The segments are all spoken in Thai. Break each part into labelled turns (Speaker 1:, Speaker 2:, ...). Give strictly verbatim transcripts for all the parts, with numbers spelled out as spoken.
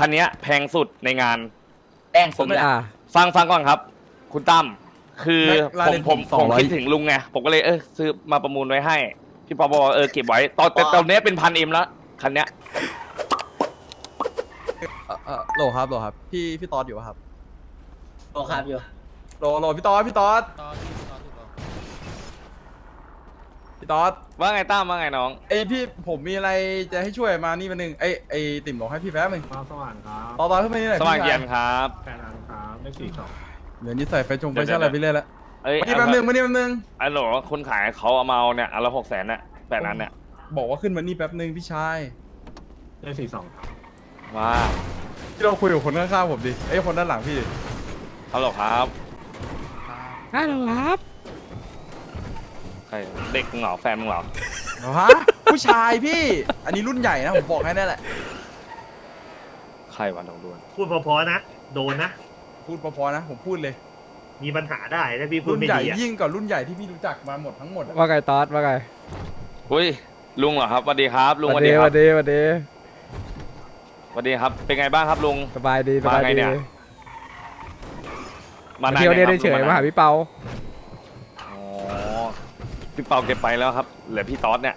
Speaker 1: คันนี้แพงสุดในงาน
Speaker 2: แพงสุดเลยอ่ะ
Speaker 1: ฟังฟังก่อนครับ คุณตั้มคือผมผมผมคิดถึงลุงไงผมก็เลยเออซื้อมาประมูลไว้ให้พี่ปอบอกเออเก็บไว้ตอนแต่ตอนนี้เป็นพันเอ็มแล้วคันเนี้ย
Speaker 3: เออเออโหลครับโหลครับพี่พี่ตอดอยู่ปะครับ
Speaker 2: โอครับอยู่
Speaker 3: โหลโหลพี่ตอดพี่ตอดพี่ตอด
Speaker 1: ว่าไงตั้มว่าไงน้อง
Speaker 3: เอ้ยพี่ผมมีอะไรจะให้ช่วยมานี่มาหนึ่งไอ้ไอ้ติ่มบอกให้พี่แป๊บนึง
Speaker 4: ฟ้าสว่างครับ
Speaker 3: ตอดตอดขึ้นมานี่หน่อย
Speaker 1: สว่าง
Speaker 3: พี่
Speaker 1: เย็
Speaker 3: ชาย
Speaker 1: นครับ
Speaker 4: แปดอันครับเลขสี่สอง
Speaker 3: เดี๋ยวนี้ใส่ไฟจงไฟชั่นอะไรไปเรื่อยแล้ว
Speaker 1: เอ้ย
Speaker 3: มานี่แป๊บนึงมานี่แป๊บนึง
Speaker 1: ไอ้โหลคนขายเขาเอามาเอาเนี่ยอันละหกแสนน่ะแปดนั้นเนี่ย
Speaker 3: บอกว่าขึ้นมานี่แป๊บนึงพี่ชาย
Speaker 4: เลขสี่สอง
Speaker 1: ว่า
Speaker 3: พี่เราคุยกับคนข้างๆผมดิไอ้ยคนด้านหลังพี่ดิ
Speaker 1: ฮัลโหลครับ
Speaker 5: ฮัลโหลครับ
Speaker 1: ใครเด็กมึงเหรอแฟนมึงเหรอ
Speaker 3: เหรอฮะผู้ชายพี่ อันนี้รุ่นใหญ่นะผมบอกให้ได้แหละ
Speaker 1: ใครวันดองดวน
Speaker 6: พูดเพอๆนะ โดนนะ
Speaker 3: พูดพอๆนะผมพูดเลย
Speaker 6: มีปัญหาได้ถ้าพี่พูด
Speaker 3: รุ่น
Speaker 6: ไม่
Speaker 3: ใหญ่
Speaker 6: ดีอะ
Speaker 3: ยิ่งกว่ารุ่นใหญ่ที่พี่รู้จักมาหมดทั้งหมดอะ
Speaker 5: ว่าไงตอดว่าไง
Speaker 1: อุ้ยลุงเหรอครับสวัสดีครับลุงส
Speaker 5: วั
Speaker 1: วัน ส
Speaker 5: ดี
Speaker 1: ดีค
Speaker 5: วั
Speaker 1: รับ
Speaker 5: นดีวันดี
Speaker 1: สวัสดีครับเป็นไงบ้างครับลุง
Speaker 5: สบายดีส
Speaker 1: มา
Speaker 5: บาย
Speaker 1: ไง
Speaker 5: ดี
Speaker 1: เนี่ย มา
Speaker 5: มาเที่ยวเนี่ย
Speaker 1: ไห
Speaker 5: ได้
Speaker 1: ครับ
Speaker 5: เฉย
Speaker 1: ลุง
Speaker 5: มาหาพี่เปา
Speaker 1: อ๋อพี่เปาเก็บไปแล้วครับเหลือพี่ต๊อดเนี่ย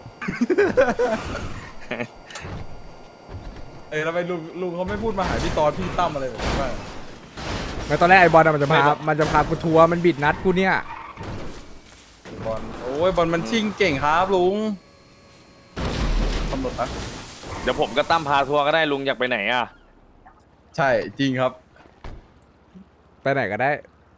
Speaker 3: เออแล้วไปลุงลุงเขาไม่พูดมาหาพี่ตอนพี่ตั้มอะไรแบบนี้บ้าง
Speaker 5: มาตอนแรกไอ้บอลอะมันจะพามันจะพากูทัวร์มันบิดนัดกูเนี่ย
Speaker 3: บอลโอ้ยบอลมันชิงเก่งครับลุงกำหนดนะ
Speaker 1: เดี๋ยวผมก็ตั้มพาทัวร์ก็ได้ลุงอยากไปไหนอ่ะ
Speaker 3: ใช่จริงครับ
Speaker 5: ไปไหนก็ได้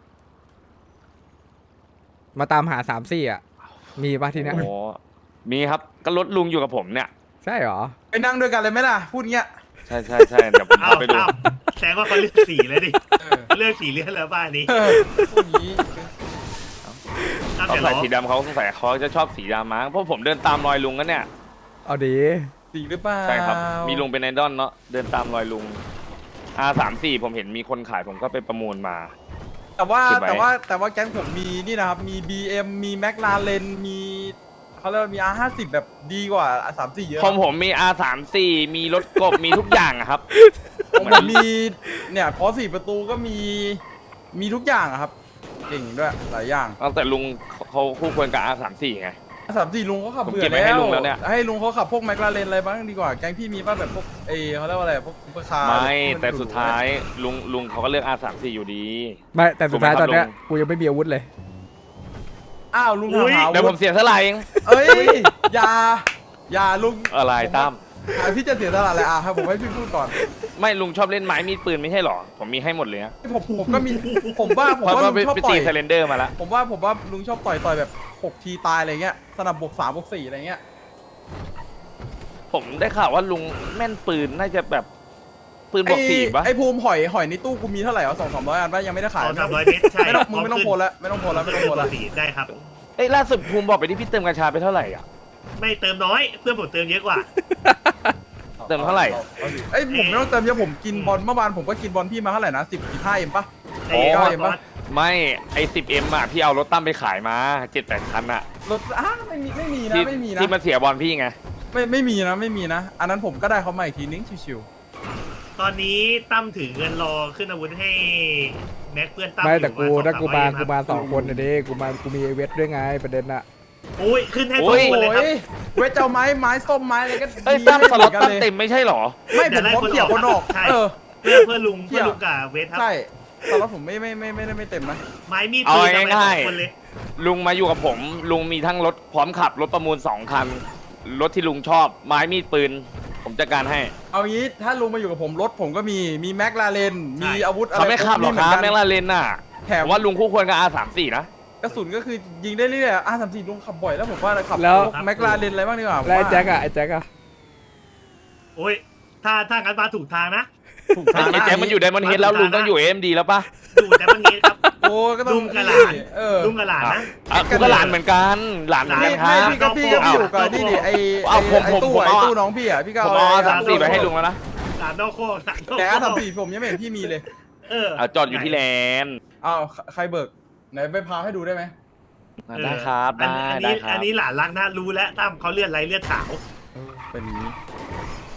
Speaker 5: มาตามหาสามสี่อ่ะ มีปะที่เนี้ย
Speaker 1: โอ้มีครับก็รถลุงอยู่กับผมเนี่ย
Speaker 5: ใช่เหรอ
Speaker 3: ไปนั่งด้วยกันเลยไหมล่ะ พูดเงี้ย
Speaker 1: ใช่ใช่ใช่เดี๋ยวผม
Speaker 6: เอา
Speaker 1: พาไปดู
Speaker 6: เอาแสดงว่าเขาเลือกสีเลยดิ
Speaker 3: เออ
Speaker 6: เลือกสีเลือกแล้วบ้านนี้
Speaker 3: เออพูดอย่างนี้
Speaker 6: ตั้ง
Speaker 1: เขา
Speaker 6: แต่
Speaker 1: ใส่
Speaker 6: ล้อ
Speaker 1: สีดำเขาใส่เขาจะชอบสีดำมั้งเพราะผมเดินตามรอยลุงกันเนี่ย
Speaker 5: เอาดี
Speaker 3: สีหรือเปล่า
Speaker 1: ใช่ครับมีลุงเป็นไอดอลเนาะเดินตามรอยลุง อาร์ สามสิบสี่ ผมเห็นมีคนขายผมก็ไปประมูลมา
Speaker 3: แต่ว่า
Speaker 1: เก็บไว้
Speaker 3: แต่ว่าแต่ว่าแก๊งผมมีนี่นะครับ มี บี เอ็ม มีแมคลาเรนมีเขาเรียกว่ามี อาร์ ห้าสิบ แบบดีกว่า อาร์ สามสิบสี่ เยอะ
Speaker 1: ของผมมี อาร์ สามสิบสี่ มีรถกบ มีทุกอย่างอะครับ
Speaker 3: ของผมมีเนี่ยพอสี่ประตูก็มีมีทุกอย่างอะครับ เก่งด้วยหลายอย่าง
Speaker 1: ตั้งแต่ลุงเขาคู่ควรกับ อาร์ สามสิบสี่ ไง
Speaker 3: สามสี่ลุงเขาขับ
Speaker 1: ผม
Speaker 3: เบื่
Speaker 1: เก็
Speaker 3: อบ
Speaker 1: ไว้ให้
Speaker 3: แล้ว
Speaker 1: ลุงแล้วเนี่ย
Speaker 3: ให้ลุงเขาขับพวกแมคลาเรนอะไรบ้างดีกว่า แก๊งพี่มีป่ะแบบพวกเอเขาเรียกว่าอะไรพวกซุปเปอร์คาร์
Speaker 1: ไม่
Speaker 3: ที่น
Speaker 1: แต่สุดท้ายลุงลุงเขาก็เลือก อาร์ สามสิบสี่ อยู่ดี
Speaker 5: ไม่แต่สุดท้าย
Speaker 1: ถู
Speaker 5: ต
Speaker 1: ก
Speaker 5: อน
Speaker 1: ไหมครับ
Speaker 5: เนี้ย
Speaker 1: ลุง
Speaker 5: กูยังไม่มีอาวุธเลย
Speaker 3: อ้าวลุงถามหา
Speaker 1: เดี๋ยวผมเสียสละเอง
Speaker 3: เอ้ยอย่าอย่าลุง
Speaker 1: อะไรตั้ม
Speaker 3: อ่ะพี่จะเสียตลาดอะไรอ่ะให้ผมให้พี่พูดก่อน
Speaker 1: ไม่ลุงชอบเล่นไม้มีดปืนไม่ใช่หรอ ผมมีให้หมดเลยนะ
Speaker 3: ผมผมก็มีผมว่าผม
Speaker 1: เพราะ
Speaker 3: ว่า
Speaker 1: ว่า
Speaker 3: ลุ
Speaker 1: ไป
Speaker 3: งชอบ
Speaker 1: ไป
Speaker 3: ต่
Speaker 1: ตี
Speaker 3: อย
Speaker 1: เซเลนเดอร์มาแล้ว
Speaker 3: ผมว่าผมว่าลุงชอบต่อยต่อยแบบหกทีตายอะไรเงี้ยสนับบวกสามบวกสี่อะไรเงี้ย
Speaker 1: ผมได้ข่าวว่าลุงแม่นปืนน่าจะแบบปืนบวกสี่ปะ
Speaker 3: ไอ้ภูมิหอยหอยในตู้กูมีเท่าไหร่วะสองสามร้อยอันป่ะยังไม่ได้ขาย
Speaker 6: สองสามร้อยเมตรใช่
Speaker 3: ไม่ต้องมึงไม่ต้องโพลแล้วไม่ต้องโพลแล้วไม่ต้องโพลแล้ว
Speaker 6: สีได้ครับ
Speaker 1: เอ้ยล่าสุดภูมิบอกไปที่พี่เติมกัญชาไปเท่าไหร่อ่ะ
Speaker 6: ไม่เติมน้อย เพื่อนผมเติมเยอะกว่า
Speaker 1: เติมเท่าไหร่
Speaker 3: ไอ้ยผมไม่ต้องเติมเยอะผมกินบอลเมื่อวานผมก็กินบอลพี่มาเท่าไหร่นะสิบสิบห้าเอ็มป่ะ
Speaker 6: ไอ้
Speaker 3: โอ้
Speaker 6: ก้อน
Speaker 3: เห็นปะ
Speaker 1: ไม่ไอสิบเอ็มอ่ะพี่เอารถตั้มไปขายมาเจ็ดแปดคันอ่ะ
Speaker 3: รถอ้าไม่มีไม่มีนะ
Speaker 1: ที่
Speaker 3: ไม่มีนะ
Speaker 1: ที่มันเสียบอลพี่ไง
Speaker 3: ไม่ไม่มีนะไม่มีนะ อันนั้นผมก็ได้เขามาอีกทีนึงชิว
Speaker 6: ตอนนี้ตั้มถือเงินรอขึ้นอาวุธให้แม็กเพื่อนตั้ม
Speaker 5: ไม่แต่
Speaker 6: อยู่
Speaker 5: กู
Speaker 6: ประณ
Speaker 5: ถ้ากูมา
Speaker 6: สองส
Speaker 5: กู
Speaker 6: ร้อยเอ็
Speaker 5: มาสองคนนะเด้กูมากูมีไอเวทด้วยไงประเด็นอะ
Speaker 6: โอ้ยขึ้นให้
Speaker 1: โอ้
Speaker 6: สอง
Speaker 1: ย
Speaker 6: คนเลยครับ
Speaker 3: โอ้ยเวทเจ้าไม้ไม้ส้มไม้อะไรก็
Speaker 1: เอ้ย
Speaker 3: ดี
Speaker 1: ตั้มสล็อต
Speaker 3: ให้
Speaker 1: ตั้ม
Speaker 3: หนกันลย
Speaker 1: เต็มไม่ใช่หรอ
Speaker 3: ไม่ผมพร้อมเขี่ยคนออก
Speaker 6: ใช่
Speaker 3: เออ
Speaker 6: เพื่อเพื่อลุง
Speaker 3: เหี้
Speaker 6: เพื่อย ลุงกับเวทครับ
Speaker 3: ใช่สล็อตผมไม่ไม่ไม่ไม่ได้ไม่เต็มนะ
Speaker 6: ไม้มีด
Speaker 1: เอา
Speaker 6: ปืนทำไมส
Speaker 1: ง่า
Speaker 6: อย งคนเลย
Speaker 1: ๆลุงมาอยู่กับผม ลุงมีทั้งรถพร้อมขับรถประมูลสองคัน รถที่ลุงชอบไม้มีดปืน ผมจัดการให้
Speaker 3: เอางี้ถ้าลุงมาอยู่กับผมรถผมก็มีมีแม็กลาเรนมีอาวุธอะไร
Speaker 1: เขาไม่ขับหรอกครับแม่งลาเลนน่ะ
Speaker 3: แถม
Speaker 1: ผมว่าลุงคู่ควรกับ อาร์ สามสิบสี่ นะ
Speaker 3: กระสุนก็คือยิงได้เรื่อยๆอ่ะสามสี่ลุงขับบ่อยแล้วผมว่าขับ
Speaker 5: แล้ว
Speaker 3: แม็กลาเรนอะไรบ้างดีกว่าผม
Speaker 5: แล้วไอ้
Speaker 3: ว่า
Speaker 5: แจ็คอะไอ้แจ็คอะ
Speaker 6: โอ้ยถ้าถ้างั้นมาถูกทางนะ
Speaker 3: ถูก
Speaker 1: ไอ้
Speaker 3: ทาง
Speaker 1: ไอ้แจ็คมันอยู่ไดมอนด์เฮดแล้วลุงต้องอยู่เอ็มดีแล้วปะ
Speaker 6: อยู่แต่วันนี้ครับ
Speaker 3: โอ้ก็ต้อง
Speaker 6: ลุงกับหลาน
Speaker 3: เออ
Speaker 6: ลุงกับหลานนะ
Speaker 1: อ่ะกูก็หลานเหมือนกัน หลานเหมือน
Speaker 3: ไม่
Speaker 1: กันค
Speaker 3: ไม่
Speaker 1: รับ
Speaker 3: พี่ก็พี่ก็พี่อยู่กับนี่ดิไอ
Speaker 1: เอา
Speaker 3: ไอ
Speaker 1: ผม
Speaker 3: ไอ
Speaker 1: ผม
Speaker 3: ตู้
Speaker 1: ผม
Speaker 3: ไอ
Speaker 1: เอา
Speaker 3: ตู้น้องพี่อ่ะพี่ก็
Speaker 1: ผม
Speaker 3: เอา
Speaker 1: เอา อาร์
Speaker 3: ไอ้
Speaker 1: สามสิบสี่ไปให้ลุงแล้วนะ
Speaker 6: หลานนอกโคกหลานนอกโคก
Speaker 3: แต่อาร์สามสี่ผมยังไม่เห็นพี่มีเลย
Speaker 6: เออ
Speaker 1: อ่ะจอดอยู่ที่แลนด์
Speaker 3: อ้าวใครเบิกไหนไปพาให้ดูได้ไหม
Speaker 6: เออ
Speaker 1: ได้ครับ
Speaker 6: อัน
Speaker 1: ได้
Speaker 6: อัน
Speaker 1: ได้
Speaker 6: นี้
Speaker 1: ครั
Speaker 6: อั
Speaker 1: บ
Speaker 6: นนี้หลานรักนะรู้แล้วตั้มเขาเลือดไรเลือดขาว
Speaker 3: เป็นอย่างนี้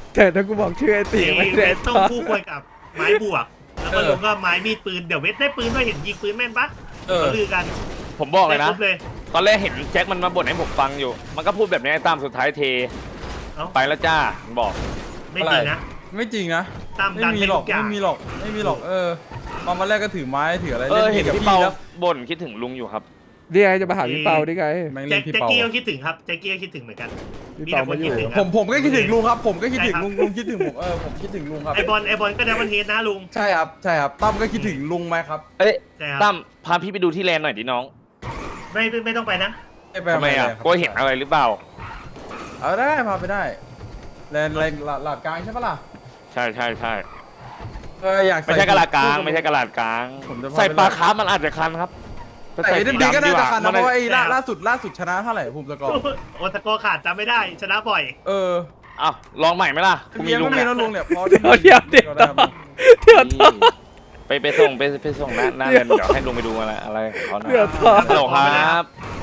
Speaker 5: แต่ถ้ากูบอกชื่อไอ้ตีไม่
Speaker 6: เว
Speaker 5: ได้
Speaker 6: ทต้องคู่ควรกับไม้บวก แล้วก็ลุงก็ไม้มีดปืนเดี๋ยวเวทได้ปืนด้วยเห็นยิงปืนแม่นปะ
Speaker 3: เออ
Speaker 6: เขาลือกัน
Speaker 1: ผมบอกเลย
Speaker 6: ได้
Speaker 1: นะ
Speaker 6: ครบเลย
Speaker 1: ตอนแรกเห็นแจ็คมันมาบ่นให้ผมฟังอยู่ มันก็พูดแบบนี้ไอ้ตั้มสุดท้ายเท
Speaker 6: เอ้า
Speaker 1: ไปแล้วจ้ามันบอก
Speaker 6: ไม่จริงนะ
Speaker 3: ไม่จริงนะ
Speaker 6: ตาม
Speaker 3: ไม่
Speaker 6: ดัน
Speaker 3: มี
Speaker 6: ให้
Speaker 3: หร
Speaker 6: ทุ
Speaker 3: อก
Speaker 6: กอย่า
Speaker 3: ไม่
Speaker 6: ง
Speaker 3: มีหรอกไม่มีหรอกเออตอนมาแรกก็ถือไม้ถืออะไร
Speaker 1: เออ
Speaker 3: ล่น
Speaker 1: เห็น
Speaker 3: กับ
Speaker 1: พี่เปา
Speaker 3: แล้ว
Speaker 1: บ่นคิดถึงลุงอยู่ครับ
Speaker 5: เรียกจะมาหาพี่เปาดิไง
Speaker 3: แม่ง
Speaker 6: แจ็
Speaker 3: เล่
Speaker 6: คน
Speaker 3: พี่
Speaker 6: แจ็ค
Speaker 3: เปา
Speaker 6: กี้ก็คิดถึงครับแจ็คกี้ก็คิดถึงเหมือนกัน
Speaker 5: พี่
Speaker 6: มี
Speaker 5: เปา
Speaker 6: แต่คน
Speaker 5: มาอ
Speaker 6: คิด
Speaker 5: ยู่
Speaker 6: ถึง
Speaker 3: ผมผมก็คิดถึงลุงครับ ผมก็คิดถึง
Speaker 6: ใช่ครับ
Speaker 3: ลุงลุงคิดถึงผมเออผมคิดถึงลุงครับ
Speaker 6: ไอบอลไอบอลก็ได้วันเฮดนะลุง
Speaker 3: ใช่ครับใช่ครับตั้มก็คิดถึงลุงไหมครับ
Speaker 1: เอ้ย
Speaker 6: ใช่ครับ
Speaker 1: ตั้มพาพี่ไปดูที่แลนด์หน่อยดิน้อง
Speaker 6: ไม่ไม่ไม่ต้องไปนะ
Speaker 3: ไม่ไป
Speaker 1: ทำไมอ่ะ
Speaker 3: ครับ
Speaker 1: ก็เห็นอะไรหรือเปล่า
Speaker 3: เอาได้พาไปได้แลนด์แลนด์หลาดหลาดกลางใช่ปะล่ะ
Speaker 1: ใช่ใช่ใช่
Speaker 3: เอออยาก
Speaker 1: ไม่ใช่กระดาษกลางไม่ใช่กระดาษกลาง
Speaker 3: ผมจะพาไป
Speaker 1: ใส่ปลาคาร์ฟมันอาจจะคันครับ
Speaker 3: ใส่เอ็มดีก็น่าจะคันนะ
Speaker 1: มั
Speaker 3: เพราะว่าไอ้ล่า
Speaker 6: ใช่ครับ
Speaker 3: ล่าสุดล่าสุดชนะเท่าไหร่ผมสกอร์
Speaker 6: โอตะโกขาดจำไม่ได้ชนะบ่อย
Speaker 3: เออ
Speaker 1: อ้าวลองใหม่ไหมล่ะกูมี
Speaker 3: เมีย
Speaker 1: ลุ
Speaker 3: ก็
Speaker 1: ง
Speaker 3: มี
Speaker 1: เนี่ย
Speaker 3: นะลุงเนี่ยพอ
Speaker 5: เดี๋ยวเดี๋ยวเดี๋ยว
Speaker 3: ก็ได้ครับ
Speaker 5: เดี๋ยวต่อ
Speaker 1: ไปไปส่งไปไปส่งหน้าหน้า
Speaker 5: เดี๋
Speaker 1: เรี
Speaker 5: ย
Speaker 1: ยว นเดี๋ยวให้ลุงไปดูอะไรอะไรของเขานะ
Speaker 5: เดี๋ยวต่อ
Speaker 1: ฮัลโหลครับ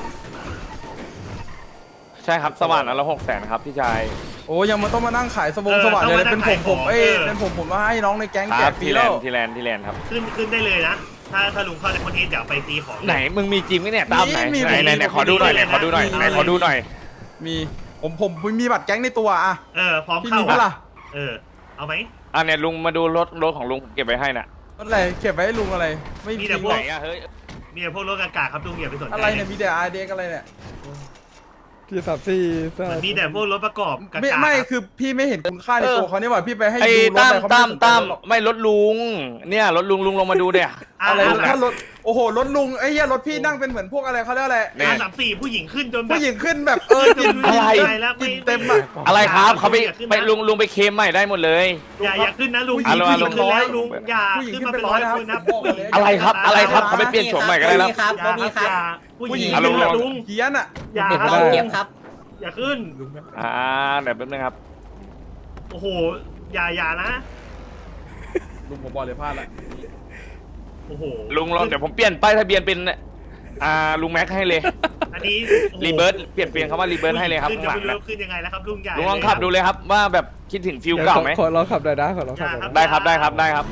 Speaker 1: ใช่ครับสว่านอันละหกแสนครับพี่ชาย
Speaker 3: โอ้ยังมาต้องมานั่งขายสบง
Speaker 6: เออ
Speaker 3: สว่างเลย
Speaker 6: ต้องมานั่
Speaker 3: เป็น
Speaker 6: ง
Speaker 3: ผม
Speaker 6: ขาย
Speaker 3: ผม
Speaker 6: ของ
Speaker 3: เอ้ย
Speaker 6: เออ
Speaker 3: เป็นผมผมมาให้น้องในแก๊ง
Speaker 1: ค
Speaker 3: แจ
Speaker 1: รั
Speaker 3: ก
Speaker 1: บ
Speaker 3: ฟรี
Speaker 1: ที่แล
Speaker 3: แล้
Speaker 1: น
Speaker 3: ว
Speaker 1: ด์ที่แลนด์ที่แลนด์ครับ
Speaker 6: ขึ้นขึ้นได้เลยนะ ถ้าถ้าลุงเข้าในคอนเทนต์เดี๋ยวไปตีของ
Speaker 1: ไหนมึงมีจริงไหมเนี่ยตามไหน
Speaker 3: มีมี
Speaker 1: ไหนไหนไหนขอดูหน่อยไหนขอดูหน่อยไหนขอดูหน่อย
Speaker 3: มีผมผมผมมีบัตรแก๊งในตัวอะ
Speaker 6: เออพร้อม
Speaker 3: พี่
Speaker 6: เข้า
Speaker 3: มีปะล่ะ
Speaker 6: เออเอาไหม
Speaker 1: อ่ะเนี่ยลุงมาดูรถรถของลุงผมเก็บไว้ให้น่ะ
Speaker 3: รถอะไรเก็บไว้ให้ลุงอะไร ไม่
Speaker 6: มี
Speaker 3: มี
Speaker 6: แต่พ
Speaker 1: ไห
Speaker 6: วน ก
Speaker 1: อ่ะเฮ้ย
Speaker 6: มีแต่พวกรถอากาศครับลุงอย่าไปสนใจ
Speaker 3: อะไรเนี่ยมีแต่อาร์เด็กอะไรเนี่ย
Speaker 5: พี่สามสี่สา
Speaker 6: มันมีแต่พวกรถประกอบกากา
Speaker 3: ไม่ไม่
Speaker 6: ครับ
Speaker 3: คือพี่ไม่เห็นคุณค่าในตัวเขาเนี่ยว่าพี่ไปให้
Speaker 1: ไอ้
Speaker 3: ดูรถ
Speaker 1: ตั้ม
Speaker 3: อะไรเขาไม่
Speaker 1: ตั้ม
Speaker 3: สนใจ
Speaker 1: ตั้ม
Speaker 3: หรอก
Speaker 1: ไม่รถลุง เนี่ยรถลุงลุงลงมาดูเนี่ย
Speaker 3: อะไร
Speaker 6: อ่ะ
Speaker 3: ถ้ารถโอ้โหรถลุงไอ้เหี้ยรถพี่นั่งเป็นเหมือนพวกอะไรเขาเรียกอะไร
Speaker 1: เนี่ย
Speaker 6: อาสามสี่ผู้หญิงขึ้นจนแบบ
Speaker 3: ผู้หญิงขึ้นแบบเออกิน
Speaker 6: อะไร
Speaker 3: กิน
Speaker 6: แล้วไม่
Speaker 3: กินเต็มอะ
Speaker 1: อะไรครับเขาไป
Speaker 6: อย่าขึ้นนะ
Speaker 1: ไปลุงลุงไปเคลมใหม่ได้หมดเลย
Speaker 6: อย่าอย่าขึ้นนะลุง
Speaker 3: ผู้หญิง
Speaker 6: ผู้หญิงขึ้นแล้ว
Speaker 1: ผู้หญิง
Speaker 6: ลุงอย่า
Speaker 3: ผู้หญิง
Speaker 6: ขึ้นมา
Speaker 3: ขึ้น
Speaker 6: เป็น
Speaker 3: เป็นร้
Speaker 6: ร้
Speaker 3: อ
Speaker 6: อย ย
Speaker 3: นะครับ
Speaker 6: คนนะ
Speaker 3: บอกเลย
Speaker 1: อะไรครับอะไรครับเขาไปเปลี่ยนโฉมใหม่กันได้แล้ว
Speaker 2: มีครับ
Speaker 6: อย่า
Speaker 2: มี
Speaker 6: ค
Speaker 2: ค
Speaker 6: รั
Speaker 2: รั
Speaker 6: บบ อย่าผู้หญิง
Speaker 1: อ่ะลุง
Speaker 6: ขึ้นแล้วลุง
Speaker 3: เฮียนอะ
Speaker 6: อย่า
Speaker 2: เก็บ
Speaker 6: ครับ
Speaker 2: เราเก็บครับ
Speaker 6: อย่าขึ้น
Speaker 1: อ่าเดี๋ยวแป๊บนึงครับ
Speaker 6: โอ้โหอย่าอย่านะ
Speaker 3: ลุงผมบอกเลยพลาดละ
Speaker 6: โอ้โห
Speaker 1: ลุงลองเดี๋ยวผมเปลี่ยนป้ายทะเบียนเป็นอ่าลุงแม็กให้เลย
Speaker 6: อันนี้โอ้โห
Speaker 1: รีเบิร์ตเปลี่ยนเปลี่ยนคำว่ารีเบิร์ตให้เลยครับ
Speaker 6: ขึ้น
Speaker 1: ข้างหลัง
Speaker 6: จะไม่
Speaker 1: นะ
Speaker 6: รู้ขึ้นยังไงแล้วครับลุงใหญ่
Speaker 1: ลุงลองขับดูเลยครับว่าแบบคิดถึงฟิลเก่าไหม
Speaker 5: ขอลองขับหน่อยนะขอลองขับหน่อยนะ
Speaker 1: ได้ครับได้ครับได้ครับ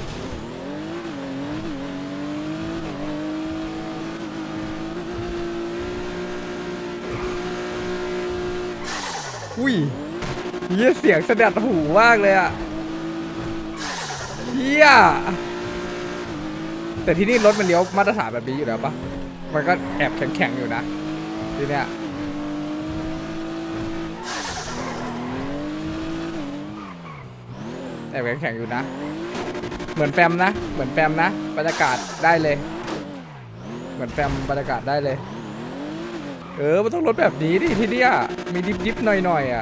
Speaker 5: อุ้ยเฮียเสียงสะดัดหูมากเลยอ่ะเฮียแต่ที่นี่รถมันเลี้ยวมาตรฐานแบบนี้อยู่แล้วปะมันก็แอบแข็งๆอยู่นะทีเนี้ยแอบแข็งๆอยู่นะ เหมือนแฟมนะ เหมือนแฟมนะบรรยากาศได้เลย เหมือนแฟมบรรยากาศได้เลย เออ มันต้องรถแบบนี้ดิที่เนี้ยมีดิบดิบๆหน่อยๆอ่ะ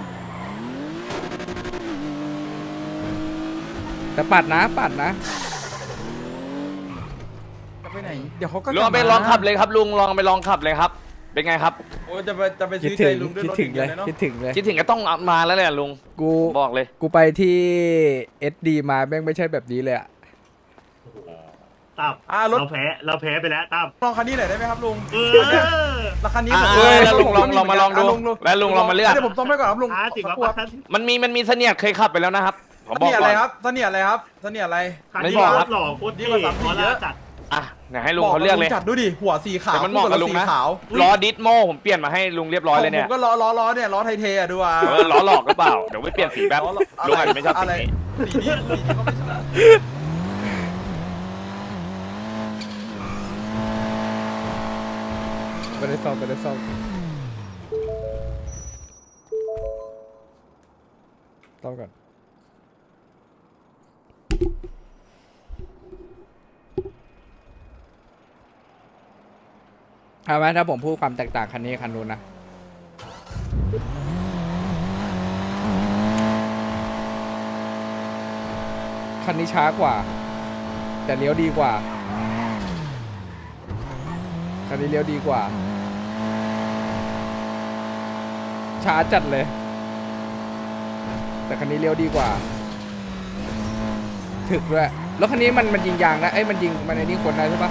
Speaker 5: แต่ปัดนะ ปัดนะ
Speaker 3: จะไปไหนเดี๋ยวเขาก็
Speaker 1: ลุงเอาไปลองขับเลยครับลุงลองไปลองขับเลยครับ เป็นไงครับ
Speaker 3: โอ้จะไปจะไป
Speaker 5: คิด
Speaker 3: ซื้อ
Speaker 5: ถึ
Speaker 3: ใจ
Speaker 5: ง
Speaker 3: ลุงด้วย
Speaker 5: คิด
Speaker 3: รถ
Speaker 5: ถึงเลย
Speaker 3: เนาะ
Speaker 5: คิดถึงเลย
Speaker 1: คิดถึงก็ต้องมาแล้วแหละลุง
Speaker 5: กู
Speaker 1: บอกเลย
Speaker 5: กูไปที่ เอส ดี มาแม่งไม่ใช่แบบนี้เลยอ่ะ
Speaker 6: ตั้ม
Speaker 3: อ่ารถ
Speaker 6: เราแพ้เราแพ้ไปแล้วตั้ม
Speaker 3: ลองคันนี้หน่อยได้ไหมครับลุง
Speaker 6: เออ
Speaker 3: ราคานี้
Speaker 1: อ่า
Speaker 3: ผม
Speaker 1: แล้วลุงลองลองมาลองดู
Speaker 3: ะ
Speaker 1: แล้วลุงลองมาเลือก
Speaker 3: เดี๋ยวผมต้องไปก่อนครับลุง
Speaker 6: ห้าสิบ
Speaker 3: สั
Speaker 6: ว่าก
Speaker 3: ครู่ครับ
Speaker 6: ห้าสิบ
Speaker 1: มันมีมันมีเสนียดเคยขับไปแล้วนะครับผม
Speaker 3: เส
Speaker 1: บอก
Speaker 3: นียด
Speaker 1: ก่
Speaker 3: อะไร
Speaker 1: อน
Speaker 3: ครับเสนียดอะไรครับเสนียดอะไร
Speaker 6: คัน
Speaker 1: ไม่
Speaker 6: นี้
Speaker 1: บอก
Speaker 6: ร
Speaker 1: ครั
Speaker 6: ถ
Speaker 1: บ
Speaker 6: หล่อโคตร
Speaker 3: ดี
Speaker 6: เท่
Speaker 3: กว่าสามสี่
Speaker 6: ขอ
Speaker 3: เย
Speaker 6: ลา
Speaker 3: อะ
Speaker 6: จัด
Speaker 1: อ่ะเดี๋ยวให้ลุงเขาเลือกเลย
Speaker 3: จัดดูดิหัวสีขาว
Speaker 1: เดี๋ยวมันเหมาะกับลุงนะ
Speaker 3: สีขาว
Speaker 1: ล้อดิสโมผมเปลี่ยนมาให้ลุงเรียบร้อยเลยเนี่ย
Speaker 3: ผมก็ล้อล้อล้อเนี่ยล้อไทเทอะดูอ่ะ
Speaker 1: เออล้อหลอกหรือเปล่าเดี๋ยวไปเปลี่ยนสีแป๊บ
Speaker 3: ล้อ
Speaker 1: ลุงอาจจะไม่ชอบสี
Speaker 3: อะไร
Speaker 1: นี้
Speaker 3: สีนี้สีนี้ก็ไม่ชอบ
Speaker 5: ไม่ได้ซ่อมไม่ได้ซ่อมซ่อมก่อนเอาไหมถ้าผมพูดความแตกต่างคันนี้กับคันนู้นนะ คันนี้ช้ากว่า แต่เลี้ยวดีกว่า คันนี้เลี้ยวดีกว่า ช้าจัดเลย แต่คันนี้เลี้ยวดีกว่า ถึกด้วยแล้วคันนี้มันมันยิงยางนะเอ้ยมันยิงมันในนี้คนได้ใช่ปะ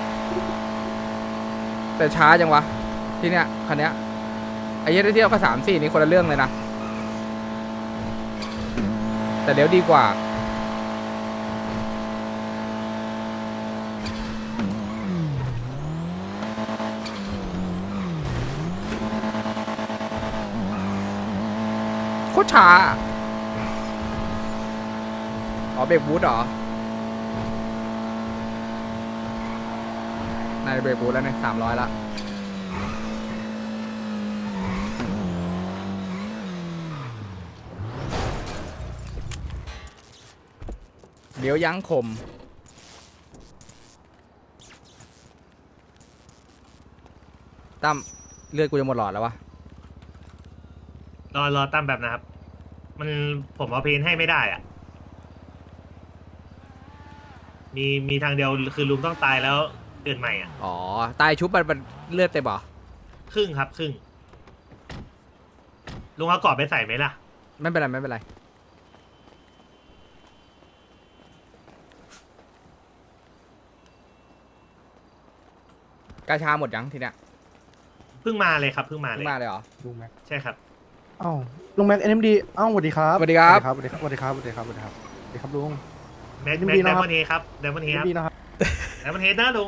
Speaker 5: แต่ช้าจังวะที่เนี้ยคันเนี้ยไอ้เหี้ยเทียบกับสามสี่นี่คนละเรื่องเลยนะแต่เดี๋ยวดีกว่าโคตรช้าอ๋อเบรกบูทเหรอนายเบรกบูทแล้วเนี่ยสามร้อยละเดี๋ยวยั้งคมตั้มเลือดกูจะหมดหลอดแล้ววะ
Speaker 6: รอรอตั้มแบบนะครับ มันผมเอาเพนให้ไม่ได้อ่ะ มีมีทางเดียวคือลุงต้องตายแล้วเกิดใหม่อ่ะ
Speaker 5: อ๋อ ตายชุบมันมันเลือดเต็มเหรอ
Speaker 6: ครึ่งครับครึ่ง ลุงเอากรอบไปใส่ไหมล่ะ
Speaker 5: ไม่เป็นไรไม่เป็นไรกาชาหมดยังทีเนี้ย
Speaker 6: เพิ่งมาเลยครับเพิ่งมาเล
Speaker 5: เพิ่
Speaker 6: ย
Speaker 5: งมาเลยเหรอ
Speaker 7: ลุงแม็ก
Speaker 6: ใช่ครับ
Speaker 7: อ้าวลุงแม็กเอ็มดีอ้าวสวัสดีครับ
Speaker 5: สวัสดีครับ
Speaker 7: สวัสดีครับสวัสดีครับสวัสดีครับสวัสดีครับสวัสดีครับลุง
Speaker 6: แม็ก
Speaker 7: ยิน
Speaker 6: แม็ก
Speaker 7: ดี
Speaker 6: ได
Speaker 7: นะครับ
Speaker 6: มอนเฮครับไดมอนเฮ
Speaker 7: เอ็
Speaker 6: ครับ
Speaker 7: มดีนะครับ
Speaker 6: ไดมอนเฮนะลุง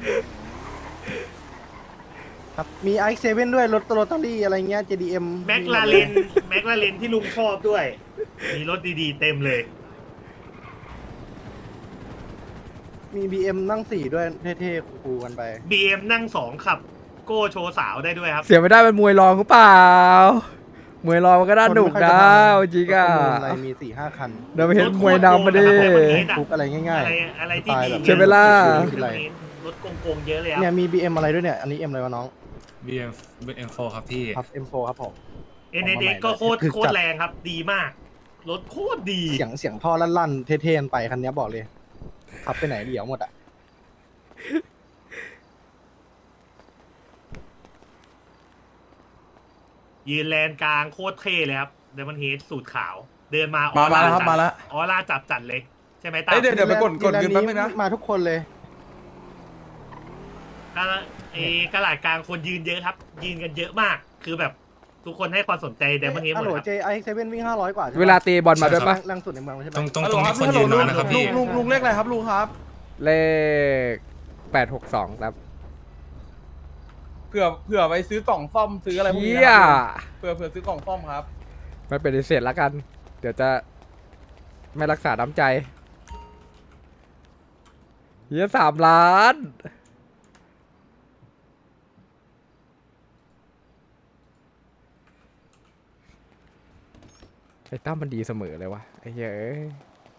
Speaker 7: ครับมีไอซ์เซเว่นด้วยรถโรตารี่อะไรเงี้ย เจ ดี เอ็ม
Speaker 6: แม็กลาเลนแม็กลาเลนที่ลุงชอบด้วย มีรถดีๆเต็มเลย
Speaker 7: มี บี เอ็ม นั่งสี่ด้วยเท่ๆคูลๆกันไป
Speaker 6: บี เอ็ม นั่งสองขับ โก้โชว์สาวได้ด้วยครับ
Speaker 5: เสียไม่ได้เป็นมวยรองหรือเปล่ามวยรองมันก็น่าหนุกนะจริงอ่ะ
Speaker 7: รถประมูลอะไรมีสี่ห้าคัน
Speaker 5: เดี๋ยวไปเห็นมวยนำมาดิ
Speaker 7: คุกอะไรง่าย
Speaker 6: อะไรอะไรที่ดี
Speaker 5: ใช่ไหมล่ะ
Speaker 6: รถโกงๆเยอะเลยค
Speaker 7: ๆ เนี่ย
Speaker 6: รับ
Speaker 7: มี บี เอ็ม อะไรด้วยเนี่ย อันนี้ M อะไรวะน้อง
Speaker 8: บี เอ็ม บี เอ็ม โฟร์ ครับพี่
Speaker 7: ครับ เอ็ม โฟร์ ครับผม
Speaker 6: เอ็น เอ เอ็กซ์ก็โคตรโคตรแรงครับ ดีมาก รถโคตรดี
Speaker 7: เสียงเสียงท่อลั่นๆ เท่ๆกันไปคันนี้บอกเลย ขับไปไหนเดี๋ยวหมดอ่ะ
Speaker 6: ยืนแลนกลางโคตรเท่เลยครับเดมอนเฮดสูตรขาว เดินมา
Speaker 3: มา
Speaker 6: ออ
Speaker 3: มา
Speaker 6: ร่า
Speaker 3: แล้วครับ
Speaker 6: จัด
Speaker 3: มาแล้ว
Speaker 6: ออร่าจับจัดเลย ใช่ไหมตา
Speaker 3: เอ้ยเดี๋ยวเดี๋ยวไปกดกดเงินแป๊บนึงนะ
Speaker 7: มาทุกคนเลย
Speaker 6: กระเอกระหลาดกลางคนยืนเยอะครับ ยืนกันเยอะมาก คือแบบทุกคนให้ความสนใจเดมอนเฮดห
Speaker 7: ฮั
Speaker 6: ม
Speaker 7: ล
Speaker 6: ด
Speaker 7: โหล
Speaker 6: ครับ
Speaker 7: เจไอเซเว่นวิ่งห้าร้อยกว่าใช่ปะ
Speaker 5: เวลาตีบอลมาด้วยปะ
Speaker 7: แรงสุดในเมืองใช่ไหม
Speaker 8: ตรงตรง
Speaker 3: ฮัล
Speaker 8: ต
Speaker 3: โหล
Speaker 8: รง
Speaker 3: ครั
Speaker 8: นี้
Speaker 3: บ
Speaker 8: คน
Speaker 3: ฮัลโหล
Speaker 8: ยืน
Speaker 3: ลุ
Speaker 8: น้
Speaker 3: ง
Speaker 8: อยนะครับพี่
Speaker 3: ลุงลุงเลขอะไรครับลุงครับ
Speaker 5: เลขแปดหกสองครับ
Speaker 3: เผื่อเผื่อไปซื้อกล่องซ่อมซื้ออะไรพวก
Speaker 5: เฮี
Speaker 3: นี้
Speaker 5: ย
Speaker 3: นะครับเผื่อเผื่อซื้อกล่องซ่อมครับ
Speaker 5: ไม่เป็นเศษแล้วกัน เดี๋ยวจะไม่รักษาน้ำใจเฮียสามล้านไอ้ตั้มมันดีเสมอเลยวะไอ้เหี้ยเอ้ย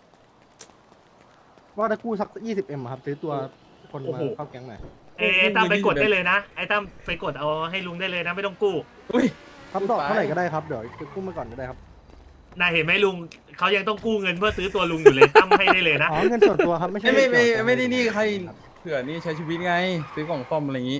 Speaker 7: ว่าถ้ากู้สักยี่สิบเอ็มครับ ซื้อตัวคน
Speaker 6: โอ้
Speaker 7: มา
Speaker 6: โห
Speaker 7: เข้าแก๊งหน่อย
Speaker 6: เอ้ยไอ้ตั้มไปกดได้เลยนะ ไอ้ตั้มไปกดเอาให้ลุงได้เลยนะ ไม่ต้องกู้
Speaker 3: อุ้ย
Speaker 7: ครับดอกเท่าไหร่ก็ได้ครับ เดี๋ยวกู้มาก่อนก็ได้ครับ
Speaker 6: น่าเห็นไหมลุงเขายังต้องกู้เงินเพื่อซื้อตัวลุงอยู่เลย ตั้มให้ได้เลยนะ
Speaker 7: อ๋อ เงินส่วนตัวครับ ไม่ใช่
Speaker 3: ไม่ไม่ไม่
Speaker 7: เกี่ยวกับ
Speaker 3: ไม่ได้นี่ใครเผื่อนี่ใช้ชีวิตไง ซื้อกล่องซ่อมอะไรอย่างงี้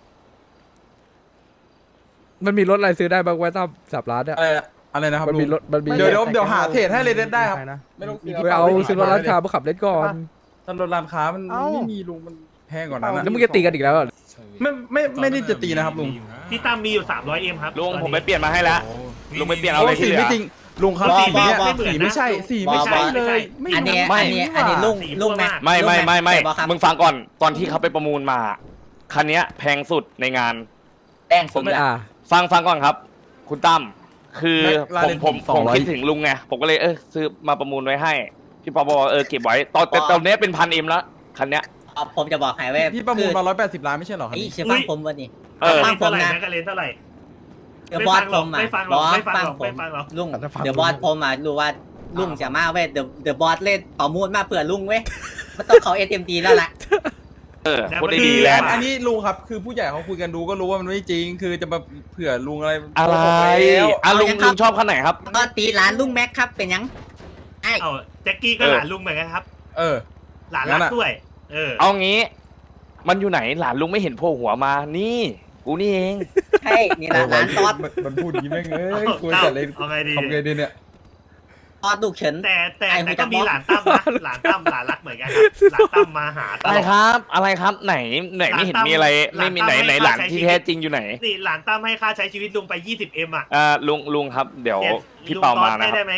Speaker 5: มันมีรถอะไรซื้อได้บ้างวะตั้มสับล้านเนี่ย
Speaker 3: อะไรอะอะไรนะครับ
Speaker 5: มัน
Speaker 3: ลุ
Speaker 5: มี
Speaker 3: ง
Speaker 5: รถมันมี
Speaker 3: เดี๋ยวเดี๋ยวเดี๋ยวหาเทรดให้เลยได้ครับ
Speaker 7: ในะ
Speaker 3: ไม่ต้อง
Speaker 7: มี
Speaker 3: ซื้
Speaker 5: ไปเอาซื้อรถร้านค้ามาขับเล่นก่อน
Speaker 3: ตอนรถร้านค้ามัน
Speaker 7: เอ้า
Speaker 3: ไม่มีลุงมันแพงกว่านั้น
Speaker 5: แล้ว
Speaker 3: นะ
Speaker 5: มึงจะตีกันอีกแล้วเหรอ
Speaker 3: ไม่ไม่ไม่ได้จะตีนะครับลุง
Speaker 6: พี่ตั้มมีอยู่สามร้อยเอ็มครับ
Speaker 1: ลุง
Speaker 6: ตอน
Speaker 1: ผม
Speaker 6: นี้
Speaker 1: ไปเปลี่ยนมาให้แล้ว ลุงไปเปลี่ยนเอา
Speaker 3: โอ้
Speaker 1: เลยที่
Speaker 3: สี
Speaker 1: เหลื
Speaker 3: ไม่
Speaker 1: อ
Speaker 3: จริงลุงครับ
Speaker 6: ว่า
Speaker 3: สีเนี้ย
Speaker 6: ว่า
Speaker 3: สีไม่ใช่
Speaker 6: ว่า
Speaker 3: สีไม่ใช่
Speaker 6: ว่า
Speaker 3: เลยไม่
Speaker 2: อันนี้
Speaker 3: ไม่
Speaker 2: อันนี้อันนี้ลุงลุงแม็ก
Speaker 1: ไม่ไม่ไม่ไม่
Speaker 2: ลุงแกบอกครับ
Speaker 1: มึงฟังก่อนตอนที่เขาไปประมูลมา คันเนี้ยแพงสุดในงาน
Speaker 2: แป้งสุด
Speaker 5: ไม่
Speaker 2: ละ
Speaker 5: อ่า
Speaker 1: ฟังฟังก่อนครับ คุณตั้มคือ
Speaker 3: แม็กลา
Speaker 1: ผ
Speaker 3: เร
Speaker 1: ม
Speaker 3: น
Speaker 1: ผม
Speaker 3: สอง
Speaker 1: ผม
Speaker 3: ร้อย
Speaker 1: คิดถึงลุงไงผมก็เลยเออซื้อมาประมูลไว้ให้ พี่ปอบอกว่าเออเก็บไว้ ตอนแต่ตอนเนี้ยเป็นพันเอ็มแล้วคันเนี้ย
Speaker 2: เอาผมจะบอกให้ว่า
Speaker 3: พี่ประมูลมาร้อยแปดสิบล้านไม่ใช่เหรอครับ
Speaker 2: ไอ้
Speaker 3: นี่
Speaker 2: เชื่อฟังผมวันนี้
Speaker 1: เออ
Speaker 2: ฟังผม
Speaker 6: เท่าไหร่
Speaker 2: นะ
Speaker 6: แม็กกาเลนเท่าไหร่
Speaker 2: เดี๋ยวบอสผมอ่ะ
Speaker 6: ไม่ฟังหรอก
Speaker 2: บอส
Speaker 6: ไม่ฟังหรอก
Speaker 2: ผม
Speaker 6: ไม่ฟังหรอก
Speaker 2: ลุง
Speaker 7: แต่ถ้าฟัง
Speaker 2: เดี๋ยวบอสผมอ่ะรู้ว่าลุงจะมาเว้ยเดี๋ยวเดี๋ยวบอสเล่นประมูลมาเผื่อลุงเว้ยมันต้องเขาเอทีเอ็มดีแล้วแหละ
Speaker 1: เออ
Speaker 6: แต่
Speaker 1: คน
Speaker 6: มัน
Speaker 1: ดี
Speaker 6: ดี
Speaker 1: ๆแล้ว
Speaker 3: อันนี้ลุงครับคือผู้ใหญ่เขาคุยกันดูก็รู้ว่ามันไม่จริง คือจะมาเผื่อลุงอะไร
Speaker 1: อะไร
Speaker 3: โกหกแล้ว
Speaker 1: อ่ะลุงลุงชอบคันไหนครับ
Speaker 2: ก็ตีร้านลุงแม็กครับเป็นยังไอ้
Speaker 6: เอ้าแจ็คกี้ก็
Speaker 1: เออ
Speaker 6: หลานลุงเหมือนกันครับ
Speaker 3: เออ
Speaker 6: หลาน
Speaker 3: งั้
Speaker 6: รัก
Speaker 3: นอะ
Speaker 6: ด้วย เออ
Speaker 1: เอางี้ มันอยู่ไหนหลานลุงไม่เห็นโผล่หัวมา นี่ กูนี่เอง
Speaker 2: ใช่นี่ละร้านตอด
Speaker 3: มันมันพูดอย่างนี้แม่งเอ้ย
Speaker 6: เอา
Speaker 3: ควรจะเล่น
Speaker 6: เอาไงดี
Speaker 3: ทำไงดีเนี่ย
Speaker 2: ตอดลูกเฉิน
Speaker 6: แต่แต่
Speaker 2: ไอ้
Speaker 6: แต่
Speaker 2: หู
Speaker 6: ก็
Speaker 2: จะ
Speaker 6: มี
Speaker 2: บอก
Speaker 6: หลานตั้มนะหลานตั้มหลานรักเหมือนกันครับหลานตั้มมาหาต
Speaker 1: อะไร
Speaker 6: ลอด
Speaker 1: ครับ อะไรครับไหนไหนไม่เห็นมีอะไร
Speaker 6: หลานตั้ม
Speaker 1: ไม่มีไหนไหน
Speaker 6: ห
Speaker 1: ห
Speaker 6: ลา
Speaker 1: ลาน น
Speaker 6: ตั้ม
Speaker 1: ที่
Speaker 6: ให้
Speaker 1: แท้
Speaker 6: ค่าใช้ชีวิต
Speaker 1: จริงอยู่ไหน
Speaker 6: นี่หลานตั้มให้ค่าใช้ชีวิตลุงไปยี่สิบเอ็มอ่ะ
Speaker 1: อ่าลุงลุงครับ เดี๋ยว
Speaker 6: นี่ย
Speaker 1: พี่
Speaker 6: ลุง
Speaker 1: เปา
Speaker 6: ตอ
Speaker 1: มา
Speaker 6: ด
Speaker 1: นะ
Speaker 6: ให้
Speaker 1: ค
Speaker 6: ได้
Speaker 1: รับ
Speaker 6: ไหม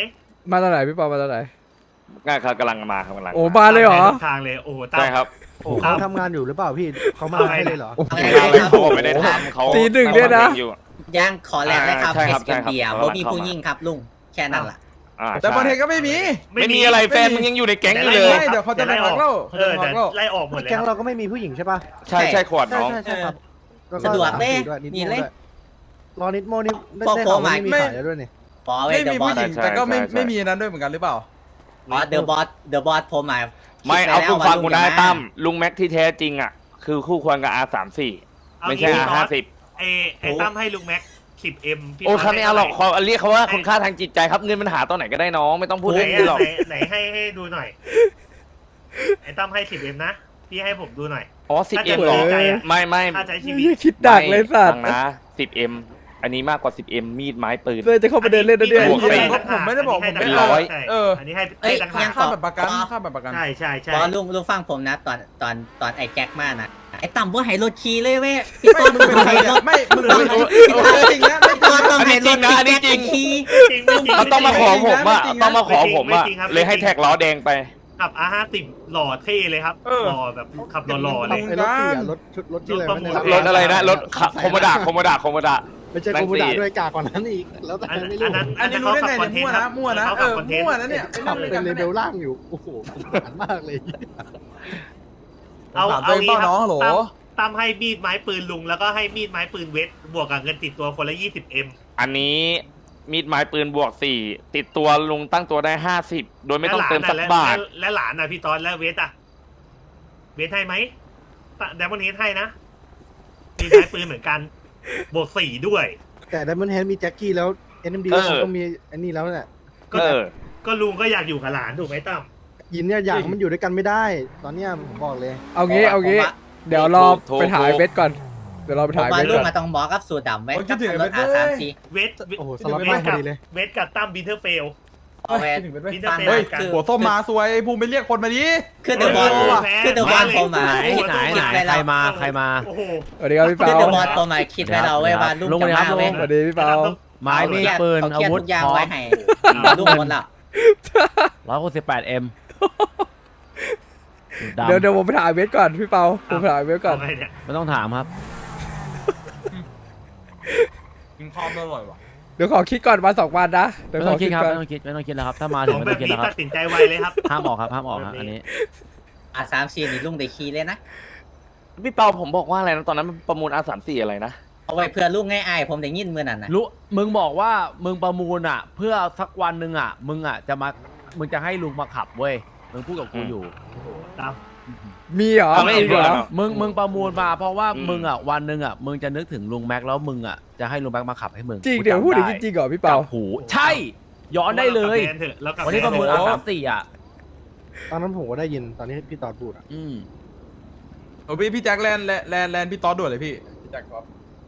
Speaker 5: มาตอนไหนพี่เปามาตอนไหน
Speaker 1: งานครับกำลังมาครับกำลัง
Speaker 5: โอ้มาเลยเหรอ
Speaker 6: ทางเลยโอ้โหตั้ม
Speaker 1: ใช่ครับ
Speaker 7: โอ้เขาทำงานอยู่หรือเปล่าพี่เขามาให้เลยเหรอ
Speaker 2: เอาไง
Speaker 1: งานอะไร
Speaker 2: ครับ
Speaker 1: เขาบอกไม่ได้ทำเขา
Speaker 5: ตีหนึ่งเนี่ยนะ
Speaker 1: อยู่
Speaker 2: ย่างขอแลกเลยครับ
Speaker 1: ใช่ครับ
Speaker 2: เอส เอ็ม ดี
Speaker 1: ใช่
Speaker 2: อ่ะ
Speaker 1: ครับ
Speaker 2: บ่มีผู้ยิ่งครับลุงแค่นั้นล่ะ
Speaker 1: อ่า
Speaker 3: แต่บอลเทคก็ไม่มี
Speaker 1: ไม่มีอะไรแฟนมึงยังอยู่ในแก๊งอยู่เล
Speaker 3: ไม่
Speaker 1: ย
Speaker 3: เดี๋ยวเขาจะไปพักแล้วเขา
Speaker 6: เอ
Speaker 3: จะ
Speaker 6: อ
Speaker 3: ไปพั
Speaker 6: แต่
Speaker 3: กแล้ว
Speaker 6: ไล่ออกหมดแล้
Speaker 7: แก๊ง
Speaker 6: ว
Speaker 7: เราก็ไม่มีผู้หญิงใช่ปะ
Speaker 1: ใช่ใช่ขวด
Speaker 7: ใช่
Speaker 1: น้อง
Speaker 7: ใช่ใช่ครับแล้
Speaker 2: สะดวก
Speaker 7: สาม
Speaker 2: เด้
Speaker 7: สี่ด้วยนิด
Speaker 2: นี่
Speaker 7: โม่
Speaker 2: เลย
Speaker 7: ด้วยรอนิดโมนี่ได้
Speaker 2: พวก
Speaker 7: ได้ข่าวว่า
Speaker 2: ผม
Speaker 7: ไม่มี
Speaker 2: ไม่
Speaker 7: ขายแล้วด้วยนี่
Speaker 2: ขอไว้
Speaker 3: ไม่
Speaker 2: เด
Speaker 3: มี
Speaker 2: อะบอ
Speaker 3: ผู้
Speaker 2: ส
Speaker 3: หญิงแต่ก็ไม่ไม่มีนั้นด้วยเหมือนกันหรือเปล่า
Speaker 2: อ๋อเดอะบอสเดอะบอสผมอ่ะ
Speaker 1: ไม่เอาคุณฟังกูนะ
Speaker 2: คิดไว้แล้วว่าลุงจะมา
Speaker 1: ตั้มลุงแม็กที่แท้จริงอ่ะคือคู่ควรกับ อาร์ สามสิบสี่
Speaker 6: เอา
Speaker 1: ไม่ใช่
Speaker 6: งี้
Speaker 1: อาร์
Speaker 6: พี่
Speaker 1: ห้า
Speaker 6: ต๊อด
Speaker 1: สิบ
Speaker 6: ไอ้ไอ้ตั้มให้ลุงแม็กสิบเอ็ม
Speaker 1: โอ้เขาไม่เอาหรอกเขาเรียกเขาว่าคุณค่าทางจิตใจครับเงินมันหาตอนไหนก็ได้น้องไม่ต้องพูด
Speaker 6: ไหน
Speaker 1: เรื่องนี้หรอก
Speaker 6: ไหนไหนให้ให้ดูหน่อยไอ้ตั้มให้สิบเอ็มนะพี่ให้ผมดูหน่อย
Speaker 1: อ๋อสิบ
Speaker 6: ถ้า
Speaker 1: เอ็
Speaker 6: จะ
Speaker 1: ม
Speaker 6: บ
Speaker 1: หร
Speaker 6: ริ
Speaker 1: อ
Speaker 6: ใจอะ
Speaker 1: ไม่ไม่
Speaker 6: ค่าใช้ชีวิต
Speaker 5: นี่คิดดักเลยสัต
Speaker 1: ฟั
Speaker 5: ว์
Speaker 1: งนะสิบเอ็มอันนี้มากกว่าสิบเอ็มมีดไม้ปืน
Speaker 5: เลยจะเข้าไปเดินเล่นนะเนี่ย
Speaker 1: บวกไป
Speaker 3: ผมไม่ได้บอกผม
Speaker 1: เป็นร้อย
Speaker 6: ใช่
Speaker 3: เออ
Speaker 6: อันนี้ให้
Speaker 2: เอ้ย
Speaker 6: ให้ต่างหา
Speaker 2: ยัง
Speaker 6: ก
Speaker 3: ค่าแบบประกันค่าแบบประกัน
Speaker 6: ใช่ใช่ใช่
Speaker 2: บอสลุงลุงฟังผมนะตอนตอนตอนไอ้แจ็คมานะไอ้ต่ำว่าให้รถขี่เลยเว้ยพี่ต้น
Speaker 3: มึ
Speaker 2: มึ
Speaker 3: ง
Speaker 2: ง
Speaker 3: เป็นใคร
Speaker 2: ให้ร
Speaker 3: เนี่ย
Speaker 2: ถ
Speaker 3: ไม่มึง
Speaker 2: ต้
Speaker 3: เป็น
Speaker 2: อง
Speaker 3: จริงนะไม่จริง
Speaker 2: ตัวต้องให้รถ
Speaker 1: อันนี้จริงนะ
Speaker 2: ขี่
Speaker 6: จริงไม่จริง
Speaker 1: เขาต้องมาขอผมอ่ะ
Speaker 3: ไม่จริงนะ
Speaker 1: ต้องมาขอผมอ่ะ
Speaker 6: ไม่จริงครับ
Speaker 1: เลยให้แท็กล้อแดงไป
Speaker 6: ขับ อาร์ ห้าสิบ หล่อเท่เลยครับ
Speaker 3: เออ
Speaker 6: หล่อแบบขับหล่อๆเลย
Speaker 7: ไอ้รถเสียรถชุดรถที่อะไรวะเนี่ย
Speaker 1: รถอะไรนะรถโคโมดะโคโมดะโคโมดะ
Speaker 7: ไม่ใช่
Speaker 1: นั่
Speaker 7: โค
Speaker 1: ง
Speaker 7: มูดา
Speaker 1: สี่
Speaker 7: ด้วยกากกว่านั้นอีกแล้วแต่
Speaker 6: อัน
Speaker 7: ไม่รู้
Speaker 6: อันนั้น
Speaker 3: อันนี้รู้ได้ไงเนี่ยมั่วนะมั่วนะเออมั่วนะเนี่ย
Speaker 7: ขับเป็นเลเวลล่างอยู่โอ้โหสงสารมากเลย
Speaker 6: เอา
Speaker 3: ถาม
Speaker 6: เอา
Speaker 3: ตัวเอง
Speaker 6: งี้
Speaker 3: เปล่า
Speaker 6: ครับ
Speaker 3: น้องฮัลโหล
Speaker 6: ตั้มตั้มให้มีดไม้ปืนลุงแล้วก็ให้มีดไม้ปืนเวทบวกกับเงินติดตัวคนละยี่สิบเอ็ม
Speaker 1: อันนี้มีดไม้ปืนบวกสี่ติดตัวลุงตั้งตัวได้ห้าสิบโดยไม่ต้องเติมสักบาท
Speaker 6: และหลานอ่ะพี่ตอนแล้วเวทอ่ะเวทให้ไหมแดมอนเฮดให้นะมีไม้ปืนเหมือนกันบวกสี่ด้วย
Speaker 7: แต่ไดมอนด์เฮดมีแจ็คกี้แล้วเอ็นเอ็มดี
Speaker 1: เออ
Speaker 7: ต้องมีอันนี้แล้วเนี่ย
Speaker 6: ก็
Speaker 1: เออ
Speaker 6: ก็ลุงก็อยากอยู่กับหลานถูกไหมตั้ม
Speaker 7: ยินเนี่ยอยากให้มันอยู่ด้วยกันไม่ได้ ตอนเนี้ยผมบอกเลย
Speaker 5: เอางี้เอางี้ เดี๋ยวรอ
Speaker 1: โทร
Speaker 5: ไปถ่าย
Speaker 1: โทร
Speaker 5: เวทก่อน เดี๋ยวเราไป
Speaker 2: ผม
Speaker 5: ถ่าย
Speaker 2: ว่า
Speaker 5: เวท
Speaker 2: ลุง
Speaker 5: ก่อน
Speaker 2: มาต้องบอกกับสูตรดำไว้
Speaker 3: โอ้ยคิ
Speaker 2: กั
Speaker 3: ด
Speaker 2: บ
Speaker 3: ถึง
Speaker 2: รถ
Speaker 3: เวท
Speaker 2: อา
Speaker 3: เว้ย
Speaker 2: สามสี่
Speaker 6: เวท
Speaker 7: โอ้โหสล็อต
Speaker 6: เว
Speaker 7: มา
Speaker 6: ท
Speaker 7: พอ
Speaker 6: กับ
Speaker 7: ดีเลย
Speaker 6: เวทกับตั้มบินเทอร์เฟล
Speaker 2: เอาไว้
Speaker 3: คิดถึงเวทเว้ย
Speaker 6: บินเทอร์เฟล
Speaker 3: เฮ้ย
Speaker 6: กัน
Speaker 3: หัวส้มมาสวยภูมิไปเรียกคนมาดิ
Speaker 2: คือเดอะบอส
Speaker 6: โอ้แพ้
Speaker 2: คือเดอะบอสผมอ่ะ
Speaker 6: ไหน
Speaker 2: คิด
Speaker 6: ไหน
Speaker 2: คิดไว้แล้ว
Speaker 6: ใครมาโอ้โห
Speaker 5: สวัสดีครับพี่
Speaker 2: คือ
Speaker 5: เปา
Speaker 2: เดอะบอสผมอ่ะคิดไว้แล้วเว้ยว่าลุงจะมาเว้ย
Speaker 5: สวัสดีพี่เปา
Speaker 9: ไม้มีดปืน
Speaker 2: เขา
Speaker 9: อา
Speaker 2: เครียด
Speaker 9: วุธ
Speaker 2: ทุกอย่าง
Speaker 9: พร้อ
Speaker 2: ไว้
Speaker 9: ม
Speaker 2: ให้ลุงหมดแล้ว
Speaker 9: ร้อยหกสิบแปดเอ็ม
Speaker 5: เดี๋ยวเดี๋ยวผมไปถ่ายเวทก่อนพี่เปาผมไปถ่ายเวทก่อน
Speaker 6: เอาไงเนี่ย
Speaker 9: ไม่ต้องถามครับ
Speaker 3: กินคอมอร่อยว่ะ
Speaker 5: เดี๋ยวขอคิดก่อนวันสองวันนะเดี๋ยว
Speaker 9: ไม่
Speaker 5: ข
Speaker 9: ต้
Speaker 5: อ
Speaker 9: องคิ
Speaker 5: คิ
Speaker 9: ด
Speaker 5: ด
Speaker 9: ครับ
Speaker 5: ก่อน
Speaker 9: ไม่ต้องคิดไม่ต้องคิดแล้วครับ ถ้ามา
Speaker 6: ข
Speaker 9: ถึ
Speaker 6: อง ง
Speaker 9: ไม่
Speaker 6: แบ
Speaker 9: ต้อบ งคิด
Speaker 6: นี้
Speaker 9: แล้วค
Speaker 6: ตั
Speaker 9: รับ
Speaker 6: ดสินใจไวเลยครับ
Speaker 9: ห้ามออกครับห้ามออกครับ
Speaker 6: แบบนี้
Speaker 9: อันนี้
Speaker 2: อาสามสี่นี่ลุงได้ขี่เลยนะ
Speaker 1: พี่เปาผมบอกว่าอะไรนะตอนนั้นประมูล อาร์ สามสิบสี่อะไรนะ
Speaker 2: เอาไว้เพื่อลุงง่ายๆผมได้ยินเมื่อนั้นนะ
Speaker 9: รู้มึงบอกว่ามึงประมูลอ่ะ เพื่อสักวันหนึ่งอ่ะ มึงอ่ะจะมามึงจะให้ลุงมาขับเว้ยมึงพูดกับกูอยู่
Speaker 6: ตาม
Speaker 5: มีเหรอ
Speaker 1: เอาไม่
Speaker 5: มีเหรอ
Speaker 9: มึงมึงประมูลมาเพราะว่า
Speaker 1: อืม
Speaker 9: มึงอ่ะวันหนึ่งอ่ะมึงจะนึกถึงลุงแม็กแล้วมึงอ่ะจะให้ลุงแม็กมาขับให้มึง
Speaker 5: จริง
Speaker 9: กู
Speaker 5: เดี๋ยว
Speaker 9: จำ
Speaker 5: พูดอย่าง
Speaker 9: ไ
Speaker 5: นี้จริงเหรอพี่เปา
Speaker 9: จับหูใช่ ย้อนได้เลย
Speaker 6: แมนเถอะแล้วกับ
Speaker 9: วันนี้ประมูล
Speaker 6: แ
Speaker 9: อาสามสี่อ่ะ
Speaker 7: ตอนนั้นผมก็ได้ยินตอนที่พี่ตอดพูดอะ
Speaker 9: อืม
Speaker 3: โอ้พี่พี่แจ็คแลนด์แลนด์แลนด์แลนด์พี่ต๊อดด่วนเลยพี่พี่แจ็คครับ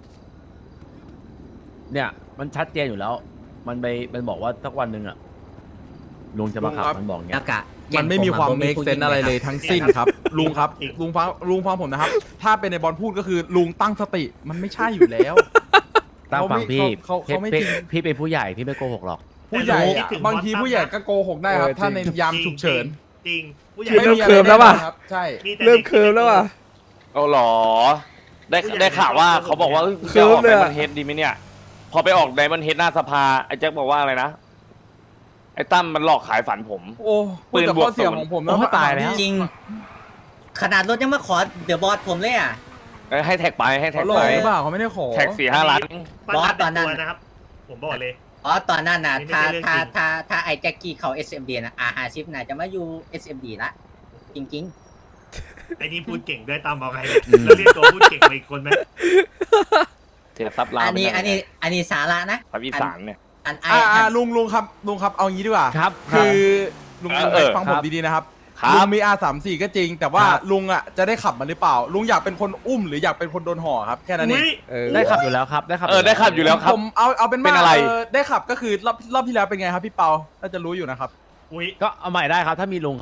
Speaker 9: เนี่ยมันชัดเจนอยู่แล้ว มันไปมันบอกว่าสักวันหนึ่งอ่ะลุงจะมาขับมันบอกเงี้
Speaker 2: แล้
Speaker 9: ยว
Speaker 2: กะ
Speaker 3: มันไม่มีความ
Speaker 2: ผ
Speaker 3: เมค
Speaker 2: ผู้
Speaker 3: เซน
Speaker 2: หญิง
Speaker 3: อะไรเลย
Speaker 2: คบ
Speaker 3: ทั้งสิ้นครับ ลุงครับ ลุงฟังลุงฟังผมนะครับ ถ้าเป็นในบอลพูดก็คือลุงตั้งสติมันไม่ใช่อยู่แล้ว
Speaker 9: ตามฝั่งพี่
Speaker 3: เขาเขาเขาไม่
Speaker 9: พี่
Speaker 3: จริง
Speaker 9: พี่เป็นผู้ใหญ่พี่ไม่โกหกหรอก
Speaker 3: ผู้ใหญ่
Speaker 6: แต่
Speaker 3: อะ
Speaker 6: รู้
Speaker 3: บางทีผู้ใหญ่ก็โกหกได้ครับ
Speaker 5: เออจริง
Speaker 3: ถ้าในยามฉุกเฉิน
Speaker 6: จริงผู้ใหญ่
Speaker 5: เริ่ม
Speaker 3: ไอะ
Speaker 5: เคิร์มแล้วป่ะ
Speaker 3: น่นอนครับใช่
Speaker 6: มีแต่
Speaker 5: เริ่มเคิร์มแล้วว่ะ
Speaker 1: เอาเหรอ ได้ได้ข่าวว่าเขาบอกว่า
Speaker 5: เคิ
Speaker 1: จะ
Speaker 5: ร์
Speaker 1: อ
Speaker 5: ม
Speaker 1: อก
Speaker 5: เล
Speaker 1: ได
Speaker 5: ยอะ
Speaker 1: มอนเฮดดีไหมเนี่ย พอไปออกไดมอนเฮดหน้าสภาไอ้แจ็คบอกว่าอะไรนะ ไอ้ตั้มมันหลอกขายฝันผม
Speaker 3: โอ้
Speaker 1: ปื
Speaker 3: ปืน
Speaker 1: น
Speaker 3: กับบ
Speaker 1: วก
Speaker 3: ข้อเสีย
Speaker 1: ศูนย์
Speaker 3: ของผม
Speaker 9: โอ้ตายแล้ว
Speaker 2: จริง ขนาดรถยังมาขอเดอะบอสผมเลยอ่ะ
Speaker 1: เอ้ยให้แท็กไปให้แท็
Speaker 3: เขา
Speaker 1: ก
Speaker 3: หลอ
Speaker 1: ไป
Speaker 3: กหรือเปล่าเขาไม่ได้ขอ
Speaker 1: แท็กสี่ห้าล้าน
Speaker 6: ปั้
Speaker 2: บอส
Speaker 6: ตา
Speaker 2: ตอนนั้น
Speaker 6: ตัวนะครับ ผมบอกเลย
Speaker 2: อ๋อตอนนั้นน่ะ
Speaker 6: นี่ไม่
Speaker 2: ถ้า
Speaker 6: ใช่เรื่อง
Speaker 2: ถ้า
Speaker 6: จริง
Speaker 2: ถ้าถ้าไอ้แจ็คกี้เขา เอส เอ็ม ดี นะอาหาชิปน่ะจะมาอยู่ เอส เอ็ม ดี ละจริง
Speaker 6: ไอ้นี่พูดเก่งด้วยตามบอกไงเนี่ยแล้วเรียกตัวพูดเก่งไปอีกคนไหม
Speaker 1: เสียทรัพย์
Speaker 2: ๆ
Speaker 1: ลา
Speaker 2: อันนี้
Speaker 1: ไป
Speaker 2: อันนี้อันนี้สาระนะ
Speaker 1: ทรัพย์อีสานเนี่ย
Speaker 2: อันไอ้
Speaker 3: อ่าอ่า
Speaker 2: อัน
Speaker 3: ลุงลุงครับลุงครับเอางี้ดีกว่า
Speaker 9: ครับ
Speaker 3: คือลุง
Speaker 1: เออ
Speaker 3: ลุง
Speaker 1: เออ
Speaker 3: ฟังผมดีๆนะครับ
Speaker 1: ครั
Speaker 3: ลุ
Speaker 1: บ
Speaker 3: งมี อาร์ สามสิบสี่ ก็จริง แต่ว่า
Speaker 9: ครับ
Speaker 3: ลุงอ่ะจะได้ขับมันหรือเปล่า ลุงอยากเป็นคนอุ้มหรืออยากเป็นคนโดนห่อครับแค่นั้นเอ
Speaker 6: อุ้
Speaker 3: ง
Speaker 6: ย
Speaker 5: เออ
Speaker 9: ได้ขับอยู่แล้วครับได้ขับ
Speaker 1: เออได้ขับอยู่แล้วครับ
Speaker 3: ผมเอาเอาเป็น
Speaker 1: เป็
Speaker 3: ว่าน
Speaker 1: อะไร
Speaker 3: เออได้ขับก็คือรอบรอบที่แล้วเป็นไงครับพี่เปาน่าจะรู้อยู่นะครับ
Speaker 6: อุ้ย
Speaker 9: ก็เอาใหม่ได้ครับ ถ้ามีลุงครับ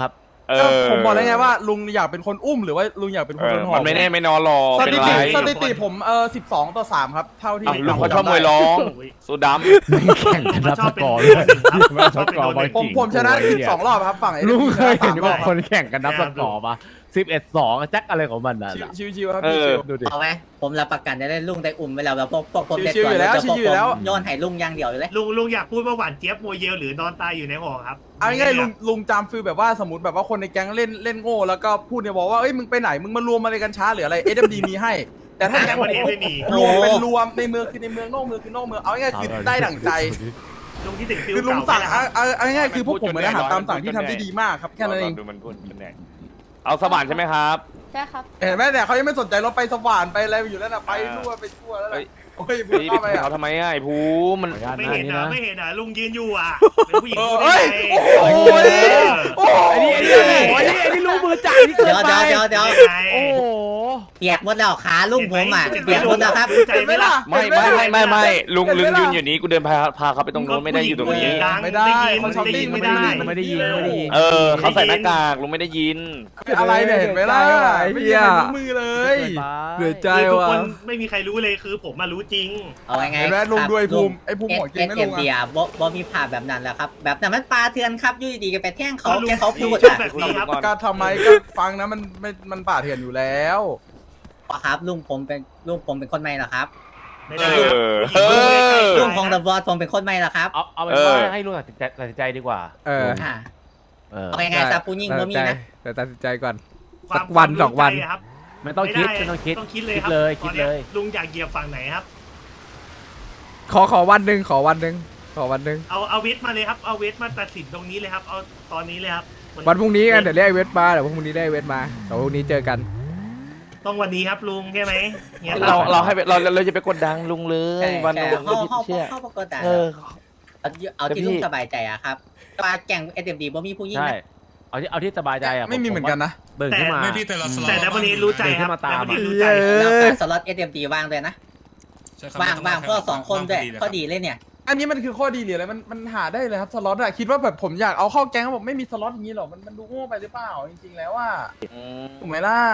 Speaker 1: เอ
Speaker 3: ก็
Speaker 1: อ
Speaker 3: ผมบอกแล้วไงว่าลุงอยากเป็นคนอุ้มหรือว่าลุงอยากเป็นค
Speaker 1: เอน
Speaker 3: โด
Speaker 1: อน
Speaker 3: หอ
Speaker 1: มั
Speaker 3: บ
Speaker 1: นไม่แน่ไม่นอนหรอก
Speaker 3: ส
Speaker 1: เป็น
Speaker 3: ถิ
Speaker 1: ไร
Speaker 3: ติสถิติผมเออสิบสองต่อสามครับเท่าที่
Speaker 1: อ้าวลุงเขาชอบ
Speaker 3: จำได้
Speaker 1: มวยร้องสูด
Speaker 9: แข่งกันนับสกอร์
Speaker 6: ช
Speaker 9: ด้
Speaker 6: อ
Speaker 9: ว
Speaker 6: บ
Speaker 9: ย
Speaker 6: เป็นเบอร์หนึ่งครับ
Speaker 9: นับ
Speaker 6: ช
Speaker 9: ส
Speaker 6: อบเป็น
Speaker 9: กอ
Speaker 6: เบอ
Speaker 9: ร์
Speaker 6: ร์ห
Speaker 9: บอ
Speaker 6: นึ่
Speaker 9: ล
Speaker 6: ง
Speaker 3: ผมผมชนะสิบสองรอบครับฝั่งไอ้
Speaker 9: ลุงเคย
Speaker 3: สา
Speaker 9: เห็
Speaker 3: ม
Speaker 9: น
Speaker 3: รอ
Speaker 9: ว่า
Speaker 3: บ
Speaker 9: คนแข่งกันนับสกอร์ปะสิบเอ็ดสองแจ็คอะไรของมันน่ะ
Speaker 3: ชิวชิวๆครับ
Speaker 1: เออ
Speaker 3: ชิว
Speaker 9: ดูดิ
Speaker 2: เอาไหมผมรับประกันได้เลยลุงได้อุ่มไปแล้วแล้วพวกพวกผมได้
Speaker 3: ชิวๆอยู่แล้ว
Speaker 2: เดี๋พวก
Speaker 3: ชิวๆอยู่แล้ว
Speaker 2: ผมโยนให้ลุงอย่างเดียวเลย
Speaker 6: ลุงลุงอยากพูดว่าหวานเจี๊ยบโมเยลหรือนอนตายอยู่ในหอครับ
Speaker 3: ๆเอาง่ายๆลุงลุงจำฟิลแบบว่าสมมติแบบว่าคนในแก๊งเล่นเล่นโง่แล้วก็พูดเนี่ยบอกว่าเอ้ยมึงไปไหนมึงมารวมอะไรกันช้าหรืออะไร เอ เอ็ม ดี มีให้ แต่ถ้า
Speaker 6: แต่
Speaker 3: แก๊ง
Speaker 6: ประเทศไม่มี
Speaker 3: รวมเป็นรวมในเมืองคือในเมืองนอกเมืองคือนอกเมืองเอาง่ายๆคือได้ดั่งใจ
Speaker 6: ลุงที่ถึงฟิล
Speaker 3: คือลุง
Speaker 6: เก่า
Speaker 3: สั่ง
Speaker 6: ไป
Speaker 3: เอา
Speaker 6: แล้ว
Speaker 3: เอาเอาง่ายๆคือพวกผมเหมือนอาหาร
Speaker 1: พูดจน
Speaker 3: ตามสั่ง
Speaker 1: พูดจน
Speaker 3: ที่ทำได้ดีมากครับแค่นั้นเอง
Speaker 1: ดูมันพูดเป็นไงเอาสว่านใช่ไหมครับ
Speaker 10: ใช่ครับ
Speaker 3: เห็นไหมเนี่ยเขายังไม่สนใจรถไปสว่านไปอะไรอยู่แล้วนะไปทั่วไปทั่วแล้วนะ
Speaker 1: เฮ้ย
Speaker 3: โอ้ยพูด
Speaker 1: เฮ้ย
Speaker 3: เข้าไป
Speaker 1: ไป
Speaker 3: อ่ะ
Speaker 1: เขาทำไมอ่ะไอ้ภูมัน
Speaker 9: ขออนุญาต
Speaker 6: ไม่
Speaker 9: นะ
Speaker 6: เห็น
Speaker 9: นี่
Speaker 6: นะ
Speaker 9: นะ
Speaker 6: ไม่เห็นนะลุงยืนอยู่อ่ะเป็นผู้หญิง
Speaker 3: เออ
Speaker 6: พูด
Speaker 3: เอ้ย
Speaker 6: ได้ไง
Speaker 3: โอ้ยโอ้ย
Speaker 9: ไอ้นี่ไอ้นี่ไอ้นี่ไอ้นี่รู้มือจ่ายนี่เกิน
Speaker 2: เดี๋ยว
Speaker 9: ไป
Speaker 2: เดี๋ยวเดี๋ยวเดี๋ยว
Speaker 6: ยังไง
Speaker 9: โอ้โห
Speaker 2: เปียกหมดแล้วขาลุงผมอ่ะเปียกหมดแล้วครับ
Speaker 6: ใจไหมล่ะ
Speaker 1: ไม่ไม่ไม่ไม่ไม่ลุงลุงยืนอยู่นี้กูเดินพาพาเขาไปตรงโน้นไม่ได้อยู่ตรงนี้
Speaker 3: ไม่ได้เขาช้อปปิ้ง
Speaker 6: ไม่
Speaker 3: ไม่
Speaker 6: ได้
Speaker 3: ได้
Speaker 9: ไม่ได้ยินไม่ได้ยิน
Speaker 1: เออเขาใส่หน้ากากลุงไม่ได้ยิน
Speaker 3: คืออะไรเนี่ยเห็นไหมล่ะไม่มีใครรู้มือเลย
Speaker 5: เหลือใจ
Speaker 6: คือทุก
Speaker 5: ว่ะ
Speaker 6: คนไม่มีใครรู้เลยคือผมมารู้จริง
Speaker 2: เอาไง
Speaker 3: เห็นไหมลุงด้วยภูมิไอ้ภูมิ
Speaker 2: เอ
Speaker 3: หัว
Speaker 2: ส
Speaker 3: กินไม่
Speaker 2: เอ็
Speaker 3: ลุ
Speaker 2: ม
Speaker 3: ง
Speaker 2: ดี
Speaker 3: อ่ะ
Speaker 2: อ่ะบ่บ่มีภาพแบบนั้นแหละครับ แบบนั้นมันปลาเถื่อนครับอยู่ดีๆก็ไปแท่งเขา
Speaker 6: ก็ลุง
Speaker 2: แค่เขาพูด
Speaker 6: ชอ
Speaker 2: อ่ะ
Speaker 6: บแบบนี้ครับ
Speaker 3: ก็ทำไมก็ฟังนะมันไม่มันป่าเถื่อนอยู่แล้ว
Speaker 2: ครับลุงผมเป็นลุงผมเป็นคนใหม่เหรอครับ
Speaker 6: ไม่
Speaker 1: เอ
Speaker 6: ได้
Speaker 1: อเออ
Speaker 2: ลุงของดับบอสผมเป็นคนใหม่เหรอครับ
Speaker 9: เอาเอาเป็น
Speaker 1: เออ
Speaker 9: ว่าให้ลุงตัดสินใจตัดสินใจดีกว่า
Speaker 5: เออ
Speaker 2: อ่า
Speaker 9: เออ
Speaker 2: เอาไงๆซาปูยิ่งบ่มีนะ
Speaker 5: แต่ตัดสินใจก่อน
Speaker 6: ความ
Speaker 5: สักวัน
Speaker 6: ความ
Speaker 5: สองวัน
Speaker 6: รู้ใจะครับ
Speaker 9: ไม่ต้องคิด
Speaker 6: ไม่
Speaker 9: ไม่ต้องคิด
Speaker 6: ต้องคิดเลย
Speaker 9: คิด
Speaker 6: ครับ
Speaker 9: เลย
Speaker 6: ต
Speaker 9: คิ
Speaker 6: อ
Speaker 9: ด
Speaker 6: นนี้
Speaker 9: เลย
Speaker 6: ลุงอยากเหยียบฝั่งไหนครับ
Speaker 5: ขอขอวันหนึ่งขอวันหนึ่งขอวันหนึ่ง
Speaker 6: เอาเอาเวทมาเลยครับเอาเวทมาตัดสินตรงนี้เลยครับเอาตอนนี้เลยครับมั
Speaker 5: วันพรุ่งนี้กันเดี๋ยวเรียกไอ้เวทมาเดี๋ยวพรุ่งนี้ได้ไอ้เวทมาเดี๋ยวพรุ่งนี้เจอกัน
Speaker 6: ต้องวันนี้ครับลุงใช่ไหมงี้ย
Speaker 1: เราเราให้ไปเราเราจะไปกดดังลุงเล
Speaker 2: ใช่
Speaker 1: ยวัน
Speaker 2: ใช่
Speaker 1: ลุง
Speaker 2: เข้าเข้า
Speaker 1: เชื่อ
Speaker 2: เข้าประกฏแต่
Speaker 1: เออ
Speaker 2: เอาเอาที่ลุงสบายใจอะครับปลาแก่งเอสเอ็มดีบ่มีผู้ยิ่ง
Speaker 9: ใช่
Speaker 2: นะ
Speaker 9: เอาที่เอาที่สบายใจอ่ะ
Speaker 3: ไม่มีเหมือนกันนะ
Speaker 9: ตื่นขึ้นมา
Speaker 8: ไม่พี่แต่ละสล็อต
Speaker 6: แต่ดับเบิลนี้รู้ใจครับ
Speaker 9: เดินขึ้นมาตาม
Speaker 6: ดับเบิล
Speaker 9: อะ
Speaker 6: นี้รู้ใจ
Speaker 2: แล้วปลาสล็อตเอสเอ็มดีว่างด้วยนะ
Speaker 8: ใช่ครับ
Speaker 2: ว่างว่าง
Speaker 8: ไม่
Speaker 2: ก็
Speaker 8: ต้
Speaker 2: สองคนด้วย
Speaker 8: ว่างพ
Speaker 2: ก็
Speaker 8: ดี
Speaker 2: ดีเลยเนี่ย
Speaker 3: อันนี้มันคือข้อดีหรืออะไรมันมันหาได้เลยครับสล็อตอะคิดว่าแบบผมอยากเอาเข้าแก๊งผมไม่มีสล็อตอย่างนี้หรอมันมันดูโง่ไปหรือเปล่าจริงๆแล้วว่าถูกไหมล่ะ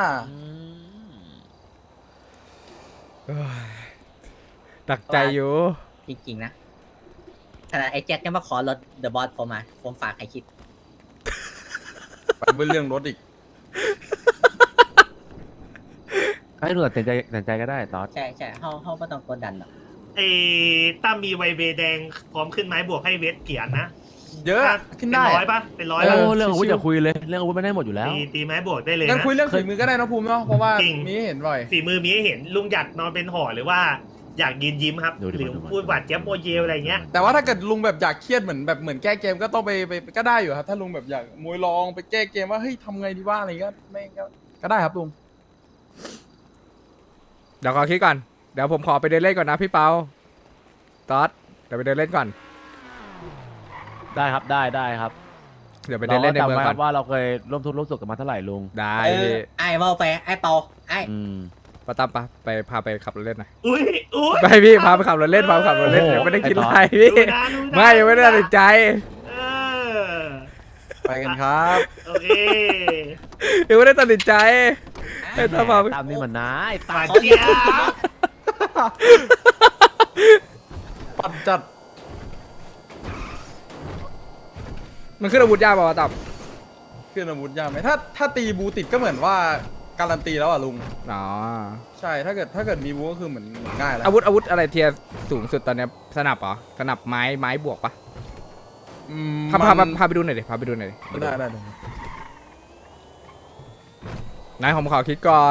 Speaker 5: ดักใจอยู่
Speaker 2: จริงๆนะขนาดไอ้แจ็คยังมาขอรถเดอะบอสผมมาผมฝากให้คิด
Speaker 3: ไปเป็นเรื่องรถอีก
Speaker 9: ให้ลุงตัดสินใจตัดสินใจก็ได้ตอด
Speaker 2: ใช่ใช่เขาเขาไม่ต้องกดดันหรอก
Speaker 6: เอตั้มมีไวเบแดงพร้อมขึ้นไม้บวกให้เวทเกียรตินะ
Speaker 3: เยอะขึ้นได้
Speaker 6: เป็นร้อยปะเป็นร้อย
Speaker 9: โอ้
Speaker 6: ปะ
Speaker 9: เรื่องอาวุธอย่าคุยเลยเรื่องอาวุธไม่ได้หมดอยู่แล้ว
Speaker 6: ตีตีไม้บวกได้เลย
Speaker 3: งั้น
Speaker 6: นะ
Speaker 3: คุยเรื่องฝีมือก็ได้นะภูมิเนาะเพราะว่า
Speaker 6: จริง
Speaker 3: มีให้เห็นบ่อย
Speaker 6: ฝีมือมีให้เห็นลุงอยากนอนเป็นห่อหรือว่าอยากยืนยิ้มครับ
Speaker 9: ดูดิ
Speaker 6: หรือ
Speaker 9: ดูดิ
Speaker 6: พูดหวานเจี๊ยบโมเยลอะไรเงี้ย
Speaker 3: แต่ว่าถ้าเกิดลุงแบบอยากเครียดเหมือนแบบเหมือนแก้เกมก็ต้องไปไปก็ได้อยู่ครับถ้าลุงแบบอยากมวยลองไปแก้เกมว่าเฮ้ยทำไงดีว่าอะไรเงี้ยไม่ก็ก็ได้ครับลุง
Speaker 5: เดี๋ยวขอคิดก่อนเดี๋ยวผมขอไปเดินเล่นก่อนนะพี่เปาตอดเดี๋ยวไปเดินเล่นก่อน
Speaker 9: ได้ครับได้ได้ครับ
Speaker 5: เดี๋ยวไปเดินเล่นในเมือง
Speaker 9: รา
Speaker 5: ก่
Speaker 9: ก็
Speaker 5: อน
Speaker 9: จำไว้ว่าเราเคยร่วมทุกข์ร่วมสุขกันมาเท่าไหร่ลุง
Speaker 5: ได้
Speaker 2: เอ
Speaker 5: พี่
Speaker 2: อไอ้เว่าไปไอ้เปาไอ้
Speaker 9: อืม
Speaker 5: ปะตั้มปะไปพาไปขับรถเล่นหน่อย
Speaker 6: อุ้ยอุ้ย
Speaker 5: ไปพี่พาไปขับรถเล่นพาไปขับรถเล่นยังไม่ได้คิดอะไรพี่
Speaker 6: ดูนะดูนะ
Speaker 5: ไม่ยังไม่ได้ตัดสินใจ
Speaker 6: เออ
Speaker 3: ไปกันครับ
Speaker 6: โอเค
Speaker 5: ยังไม่ได้ตัดสินใจให้ตามมา
Speaker 9: ตามนี่มันนะไอ้
Speaker 6: ห
Speaker 9: ตาว
Speaker 6: าน
Speaker 2: เขา
Speaker 6: เจี๊ยบ
Speaker 3: ปัดจัด
Speaker 5: มันขึ้นอาวุธยากป่าวะตับ
Speaker 3: ขึ้นอาวุธยากไหมถ้าถ้าตีบูติดก็เหมือนว่าการันตีแล้วอ่ะลุง
Speaker 5: อ๋อ
Speaker 3: ใช่ถ้าเกิดถ้าเกิดมีบูก็คือเหมือนเหมือนง่ายแล้ว
Speaker 5: อาวุธอาวุธอะไรเทียร์สูงสุดตอนเนี้ยสนับเหรอสนับไม้ไม้บวกปะ
Speaker 3: อืม
Speaker 5: พาพา
Speaker 3: มั
Speaker 5: พาน พาไปดูหน่อยดิพาไปดูหน่อยดิ
Speaker 3: ได้ได้ได้
Speaker 5: นายผมขอคิดก่อน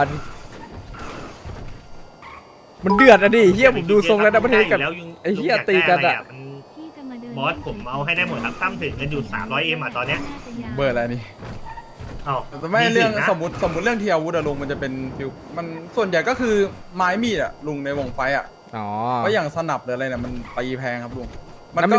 Speaker 5: มันเดือดอะดิเฮียผมดูทรงแล้วนะประเทศกับ
Speaker 6: แล้วยัง
Speaker 5: ไอ้เหี้ยตีกันอะ
Speaker 6: มันบอสผมเอาให้ได้หมดครับตั้มถึงเงินอยู่สามร้อยเอ็มอ่ะตอนเนี้ย
Speaker 3: เบอร์อะไรนี่
Speaker 6: เอ้า
Speaker 3: แต่ไม่เรื่อง
Speaker 6: ถึนะ
Speaker 3: สมมติสมมติเรื่องเทียร์อาวุธอะลุงมันจะเป็นฟิวมันส่วนใหญ่ก็คือไม้มีดอะลุงในวงไฟอะ
Speaker 5: อ๋อ
Speaker 3: เพราะอย่างสนับหรืออะไรเนี่ยมันตีแพงครับลุง มัน
Speaker 5: แล้ว
Speaker 3: ก็